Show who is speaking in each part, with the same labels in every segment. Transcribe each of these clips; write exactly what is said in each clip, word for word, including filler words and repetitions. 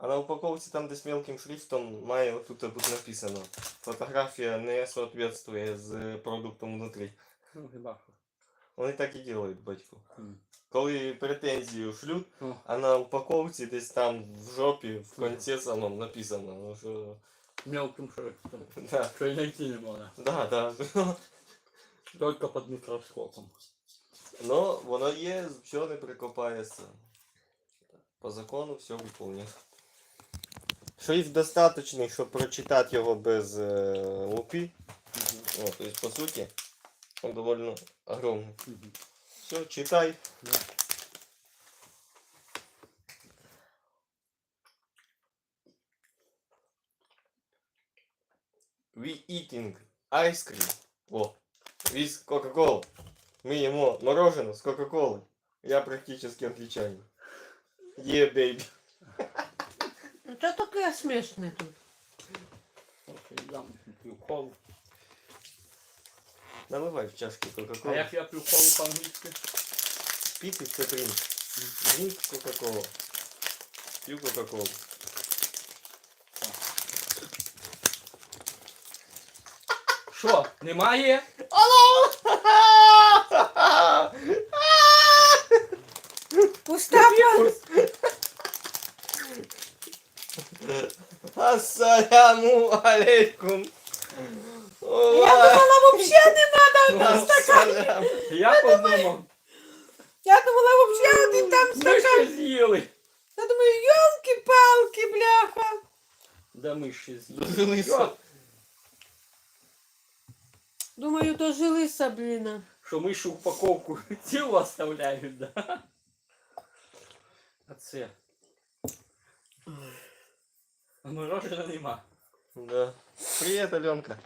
Speaker 1: А на упаковці там десь мелким шрифтом має отут бути написано. Фотографія не соответствує з продуктом внутрі.
Speaker 2: Ну, хіба.
Speaker 1: Вони так і роблять, батько.
Speaker 2: Mm.
Speaker 1: Коли претензію шлють,
Speaker 2: Oh.
Speaker 1: а на упаковці десь там в жопі, в кінці самому написано. Ну, що...
Speaker 2: Мелким шрифтом.
Speaker 1: Да.
Speaker 2: Що й знайти не можна.
Speaker 1: Да, да.
Speaker 2: Тільки під мікроскопом.
Speaker 1: Но воно є, все не прикопається. По закону все виконує. Шрифт достаточний, щоб прочитати його без е, лупи.
Speaker 2: Mm-hmm.
Speaker 1: О, то есть, по сути, он довольно огромный.
Speaker 2: Mm-hmm.
Speaker 1: Все, читай.
Speaker 2: Yeah.
Speaker 1: We eating ice cream. О, with Coca-Cola. Мы ему мороженое с Кока-Колой. Я практически англичанин. Е, yeah, бейби.
Speaker 3: Що таке смішне тут?
Speaker 2: Окей, дам п'ю колу.
Speaker 1: Наливай в чашки
Speaker 2: А
Speaker 1: Кока-Колы.
Speaker 2: як я п'ю колу по-англійськи?
Speaker 1: Пить це дринк. Дринк Кока-Кола. Пью Кока-Колу.
Speaker 2: Що, немає?
Speaker 3: Пуста пан.
Speaker 1: Ассаляму алейкум.
Speaker 3: Я думала, вообще не надо один стакан.
Speaker 1: Ассалям.
Speaker 2: Я подумав,
Speaker 3: Я думала, вообще один там
Speaker 2: ми
Speaker 3: стакан.
Speaker 2: ще з'їли.
Speaker 3: Я думаю, ёлки-палки, бляха.
Speaker 2: Да ми ще з'їли.
Speaker 1: Дожилися.
Speaker 2: Що?
Speaker 3: Думаю, дожилися, блін.
Speaker 2: Що ми ще упаковку цілу оставляють, да? А це? А мороженого нема.
Speaker 1: Да. Привет, Аленка.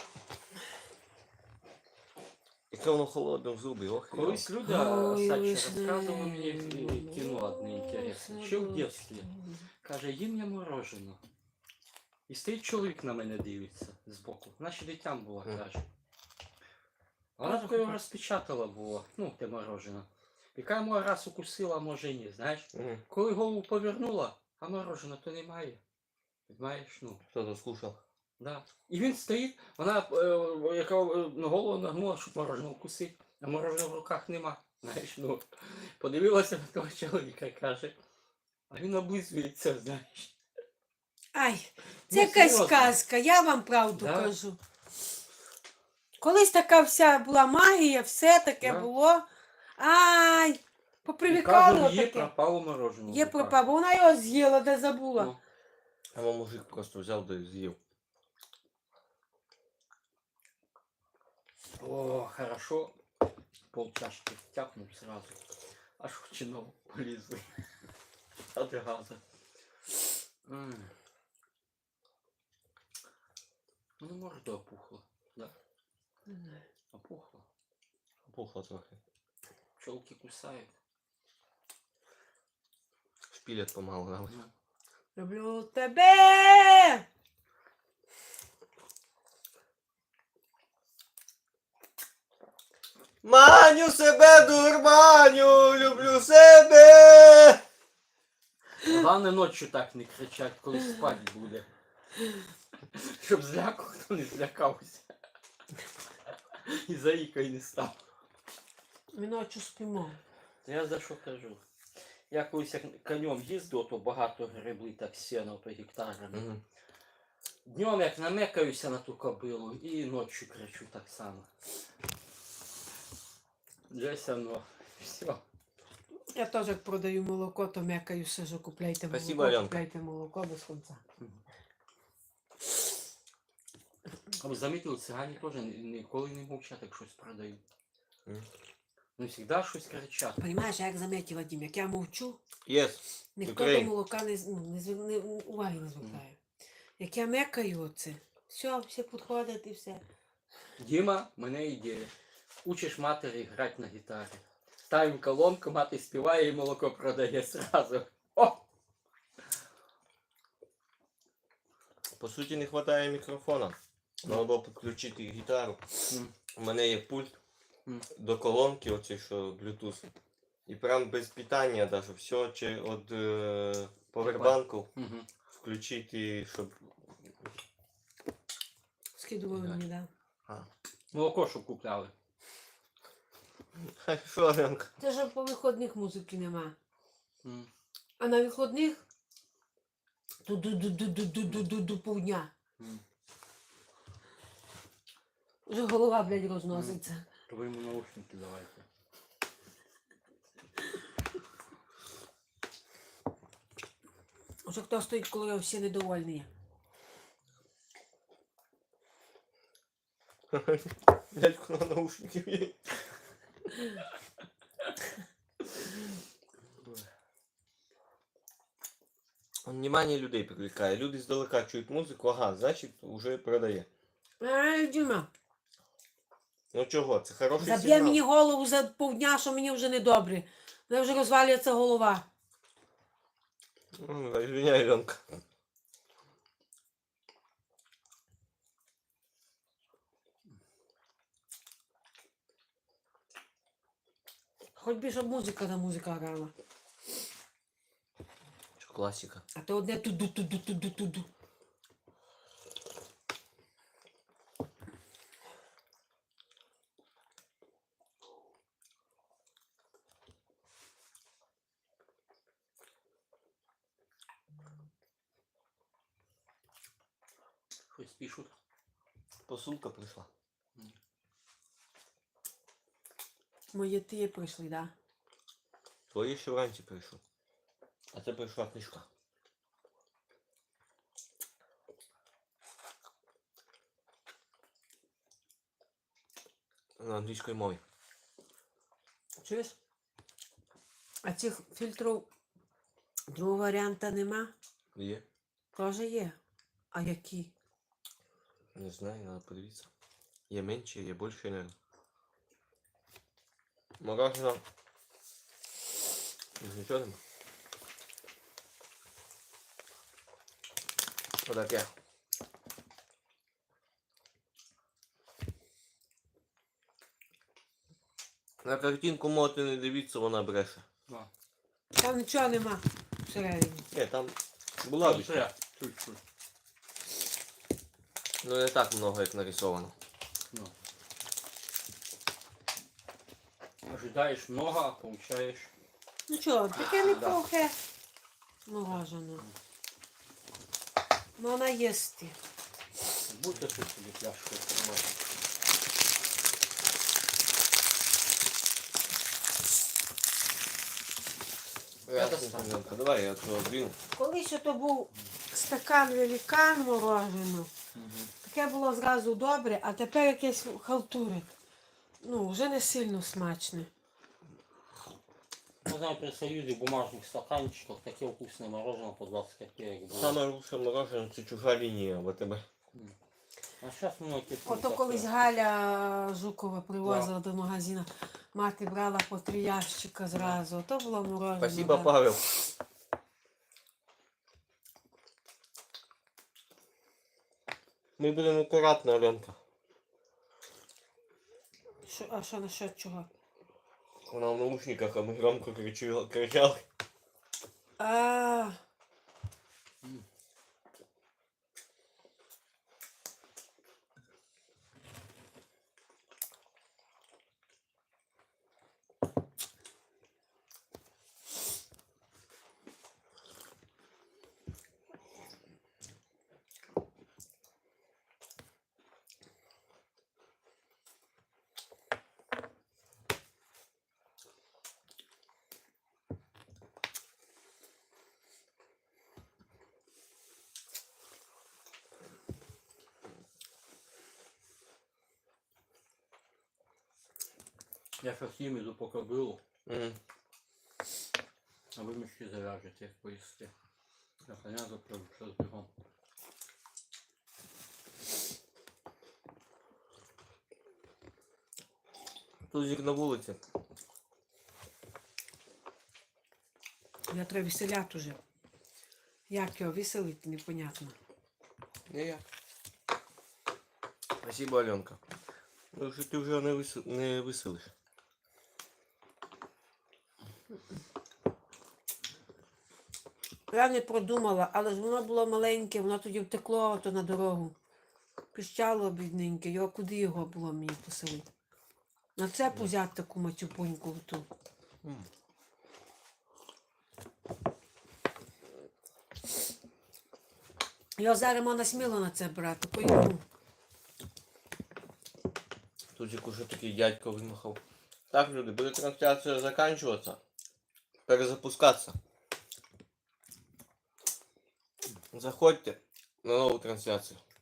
Speaker 1: Яке воно холодне в зубі, ох.
Speaker 2: Колись люди,
Speaker 3: Ой,
Speaker 2: Сача,
Speaker 3: ой,
Speaker 2: розказували мені
Speaker 3: ой,
Speaker 2: е, кіно одне інтересне. Ще в дитинстві. Каже, їм я мороженого. І стоїть чоловік на мене дивиться збоку. Вона ще дитям була,
Speaker 1: Мгм.
Speaker 2: каже. А вона таке його розпечатала було, ну, те мороженое. Яка йому раз укусила, а може ні, знаєш.
Speaker 1: Мгм.
Speaker 2: Коли голову повернула, а мороженого то немає. Знаєш, ну.
Speaker 1: Хто-то скушав.
Speaker 2: Да. І він стоїть, вона е, яка е, на голову нагнула, щоб мороженого вкусити, а мороженого в руках нема. Знаєш, ну, подивилася на того чоловіка, каже, а він облизується, знаєш.
Speaker 3: Ай, це
Speaker 2: Ну,
Speaker 3: якась
Speaker 2: серйозно.
Speaker 3: сказка, я вам правду
Speaker 2: Да?
Speaker 3: кажу. Колись така вся була магія, все таке
Speaker 2: Да.
Speaker 3: було. Ай,
Speaker 2: І
Speaker 3: попривикали
Speaker 2: кажу, є
Speaker 3: отаке.
Speaker 2: пропало мороженого.
Speaker 3: Є
Speaker 2: в руках.
Speaker 3: пропав, бо вона його з'їла, де забула.
Speaker 2: Ну.
Speaker 1: А мой мужик просто взял да и съел.
Speaker 2: О, хорошо. Полчашки тяпнул сразу. Аж в чинов полезли. От газа. М. Ну, может, опухло. Да, опухло.
Speaker 1: Пухло трохи.
Speaker 2: Пчелки кусают.
Speaker 1: Шпилят помалу, да?
Speaker 2: Ну.
Speaker 3: Люблю тебе!
Speaker 1: Маню себе дурманю, люблю себе.
Speaker 2: Главное ночью так не кричать, коли спать буде. Щоб зляку хто не злякався. І заїкою не став.
Speaker 3: Ми ночі спимо.
Speaker 2: Я за що кажу? Я колись як конем їздив, то багато гребли так сено по гектарами.
Speaker 1: Мгм.
Speaker 2: Днем як намекаюся на ту кобилу і ночью кричу так само. Десь оно. Все.
Speaker 3: Я теж як продаю молоко, то м'якаю сижу, купляйте
Speaker 1: Спасибо,
Speaker 3: молоко,
Speaker 1: Аленка.
Speaker 3: купляйте молоко без кінця.
Speaker 2: А ви замітили, цигані теж ні- ніколи не мовчать, як щось продають.
Speaker 1: Мгм.
Speaker 2: Ну, завжди щось кричать.
Speaker 3: Понимаєш, я як замітила, Вадим, як я мовчу,
Speaker 1: Yes.
Speaker 3: ніхто
Speaker 1: Ukraine.
Speaker 3: до молока не, з- ну, не, зв- не уваги не звертає. Як я мекаю оце, все, всі підходять і все.
Speaker 2: Діма, в мене ідея. Учиш матері грати на гітарі. Ставимо колонку, мати співає і молоко продає сразу. О!
Speaker 1: По суті, не вистачає мікрофона. Треба було підключити гітару.
Speaker 2: М.
Speaker 1: У мене є пульт
Speaker 2: М.
Speaker 1: до колонки, оцей, що Bluetooth. І прям без питання даже все чи от е, повербанку
Speaker 2: Угу.
Speaker 1: включити, щоб.
Speaker 3: Скидував
Speaker 1: Да.
Speaker 3: мені, да.
Speaker 1: А.
Speaker 2: Молоко, що купляли.
Speaker 1: Що, Аленка?
Speaker 3: Це ж по виходних музики нема.
Speaker 2: М.
Speaker 3: А на виходних ду-ду-ду-ду-ду-ду-ду-ду повдня.
Speaker 2: М.
Speaker 3: Вже голова, блядь, розноситься.
Speaker 2: То ви йому наушники давайте.
Speaker 3: Вже хто стоїть, коли всі недовольні.
Speaker 1: Дядьку на наушники є. Он внимание людей привлекає. Люди здалека чують музику, ага, значить вже продає.
Speaker 3: Ай, Діма,
Speaker 1: Ну чого, це хороший
Speaker 3: заб'є
Speaker 1: сигнал.
Speaker 3: мені голову за повдня, що мені вже недобре. Мене вже розвалюється голова.
Speaker 1: Ну, извиняй, Ленка.
Speaker 3: Хоч би, щоб музика на музика грала.
Speaker 1: Що класика.
Speaker 3: А то одне туду-туду-туду-туду.
Speaker 2: Щось пишуть.
Speaker 1: Посылка прийшла.
Speaker 3: Мої ті прийшли, да?
Speaker 1: Твої ще вранці прийшов. А це прийшла книжка. На англійській мові.
Speaker 3: Чуєш? А цих фільтрів другого варіанта нема?
Speaker 1: Є?
Speaker 3: Тоже є. А які?
Speaker 1: Не знаю, надо подивитися. Є менше, є більше, наверное. Мороженое. Нічого нема. Отаке. На картинку можете не дивитися, вона бреше.
Speaker 2: А.
Speaker 3: Там нічого нема всередині.
Speaker 1: Ні, там була
Speaker 2: Там
Speaker 1: більше.
Speaker 2: ще чуть-чуть.
Speaker 1: Ну не так много, як нарисовано.
Speaker 2: Ну. Ожидаєш много, а получаєш.
Speaker 3: Ну що, таке неплохе морожене. Можна їсти.
Speaker 2: Будьте тут собі пляшку відкривати.
Speaker 1: Ясно, давай я цього двину.
Speaker 3: Колись то був стакан великан мороженого,
Speaker 2: Угу.
Speaker 3: таке було зразу добре, а тепер якесь халтурик. Ну, вже не сильно смачне.
Speaker 2: Ну, знаю, при Союзе в бумажных стаканчиках таке вкусне мороженое по двадцать копеек было.
Speaker 1: Саме лучше мороженое це чужа лінія в АТБ.
Speaker 2: А сейчас многие...
Speaker 3: Ото колись Галя Жукова привозила до магазину. Мати брала по три ящика зразу. Ото було мороженое.
Speaker 1: Спасибо,
Speaker 3: да.
Speaker 1: Павел. Ми будемо акуратно, Аленка.
Speaker 3: Що, а що насчет чого?
Speaker 1: Вона в наушниках, а ми громко кричали. кричали.
Speaker 3: А,
Speaker 2: Я сейчас їм поки был,
Speaker 1: Мгм.
Speaker 2: а ви мішки зав'яжете, як поїсти. Я коня запрягу, зараз бігом.
Speaker 1: Тузик на вулиці.
Speaker 3: я треба веселяти уже. Як його веселити, непонятно.
Speaker 1: Не я. Спасибо, Аленка. Ну, що ти вже не, вис... не веселиш.
Speaker 3: Я не продумала, але ж воно було маленьке, воно тоді втекло ото на дорогу. Піщало бідненьке, його куди його було мені поселити? На це взяти таку матюпуньку ту.
Speaker 1: М.
Speaker 3: Його зараз можна сміло на це брати, по-йому.
Speaker 1: Тут як уже такий дядько вимахав. Так, люди, буде трансляція закінчуватися. Перезапускатися. Заходьте на нову трансляцію.